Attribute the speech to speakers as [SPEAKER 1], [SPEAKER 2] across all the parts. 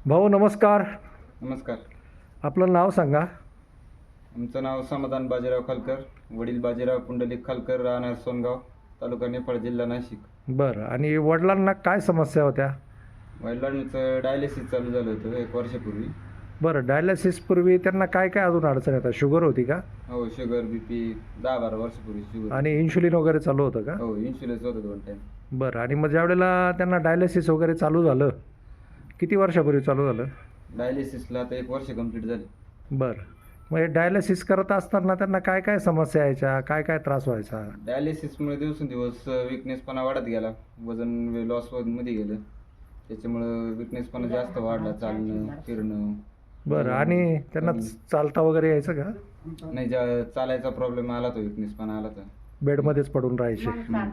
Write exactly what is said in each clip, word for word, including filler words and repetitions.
[SPEAKER 1] भाऊ नमस्कार.
[SPEAKER 2] नमस्कार.
[SPEAKER 1] आपलं नाव सांगा.
[SPEAKER 2] आमचं नाव समाधान बाजीराव खालकर, वडील बाजीराव पुंडलिक खालकर, राहणार सोनगाव, तालुका निफाड, जिल्हा नाशिक.
[SPEAKER 1] बरं. आणि वडिलांना काय समस्या होत्या?
[SPEAKER 2] वडिलांचं डायलिसिस चालू झालं होतं एक वर्षापूर्वी.
[SPEAKER 1] बरं. डायलिसिसपूर्वी त्यांना काय काय अजून अडचण येतात? शुगर होती का?
[SPEAKER 2] हो, शुगर, बीपी दहा बारा वर्षापूर्वी शुगर.
[SPEAKER 1] आणि इन्शुलिन वगैरे चालू होतं का?
[SPEAKER 2] हो, इन्शुरन्स होतं दोन टाईम.
[SPEAKER 1] बरं. आणि मग ज्यावेळेला त्यांना डायलिसिस वगैरे चालू झालं, किती वर्षापूर्वी चालू झालं?
[SPEAKER 2] डायलिसिसला आता एक वर्ष कंप्लीट झाली.
[SPEAKER 1] बरं. मग हे डायलिसिस करत असताना त्यांना काय काय समस्या यायच्या, काय काय त्रास व्हायचा?
[SPEAKER 2] डायलिसिसमुळे दिवसेंदिवस विकनेसपणा वाढत गेला, वजन लॉस मध्ये गेलं. त्याच्यामुळं विकनेसपणा जास्त वाढला, चालणं फिरणं.
[SPEAKER 1] बरं. आणि त्यांना चालता वगैरे यायचं का?
[SPEAKER 2] नाही, ज्या चालायचा प्रॉब्लेम आला तो विकनेसपणा आला तर
[SPEAKER 1] बेडमध्येच पडून राहायचे.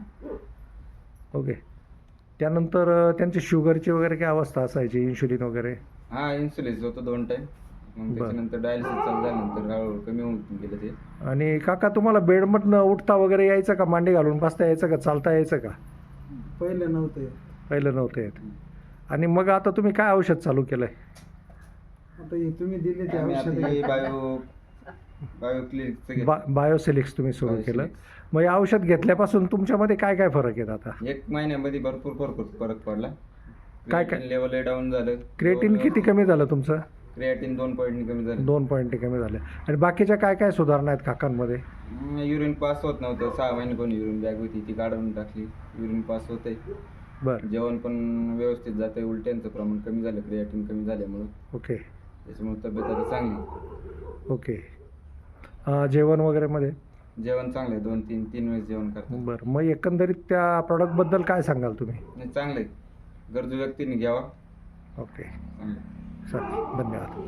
[SPEAKER 1] ओके. त्यानंतर अ, त्यांची शुगरची वगैरे काय अवस्था असायची, इन्शुलिन वगैरे?
[SPEAKER 2] हा, इन्सुलिन होतं दोन टाईम. मग त्याच्यानंतर डायलिसिस चालू झाल्यानंतर हळूहळू कमी होऊन गेलं ते.
[SPEAKER 1] आणि काका तुम्हाला बेडमधनं उठता वगैरे यायचं का? मांडी घालून बसता यायचं का? चालता यायचं का?
[SPEAKER 3] पहिलं नव्हतं येत.
[SPEAKER 1] पहिलं नव्हतं येत. आणि मग आता तुम्ही काय औषध चालू केलं आहे?
[SPEAKER 3] आता हे तुम्ही दिले ते
[SPEAKER 2] आम्ही आता
[SPEAKER 3] औषध
[SPEAKER 2] हे बायो बायो क्लिनिकचं घेतलं.
[SPEAKER 1] बा बायोसिलिक्स तुम्ही सुरू केलं.
[SPEAKER 2] बायोसिलिक्स.
[SPEAKER 1] मग हे औषध घेतल्यापासून तुमच्यामध्ये काय काय फरक आहेत आता?
[SPEAKER 2] एक महिन्यामध्ये भरपूर फरक फरक पडला.
[SPEAKER 1] काय काय?
[SPEAKER 2] लेवल डाऊन झालं.
[SPEAKER 1] क्रिएटिन किती कमी झालं तुमचं?
[SPEAKER 2] क्रिएटिन दोन पॉईंट कमी झालं.
[SPEAKER 1] दोन पॉईंट कमी झाले. आणि बाकीच्या काय काय सुधारणा आहेत काकांमध्ये?
[SPEAKER 2] युरिन पास होत नव्हतं. सहा महिने कोणी युरिन बॅग होती ती काढून टाकली. युरिन पास होतंय.
[SPEAKER 1] बरं.
[SPEAKER 2] जेवण पण व्यवस्थित जातंय. उलट्यांचं प्रमाण कमी झालं क्रिएटिन कमी झाल्यामुळं.
[SPEAKER 1] ओके.
[SPEAKER 2] त्याच्यामुळे तब्येत आता चांगली.
[SPEAKER 1] ओके. अं, जेवण वगैरेमध्ये?
[SPEAKER 2] जेवण चांगलं आहे. दोन तीन तीन वेळेस जेवण करतो.
[SPEAKER 1] बरं. मग एकंदरीत त्या प्रॉडक्टबद्दल काय सांगाल तुम्ही?
[SPEAKER 2] नाही, चांगलं आहे. गरजू व्यक्तीने घ्यावा.
[SPEAKER 1] ओके.
[SPEAKER 2] चांगलं आहे.
[SPEAKER 1] चालेल. धन्यवाद.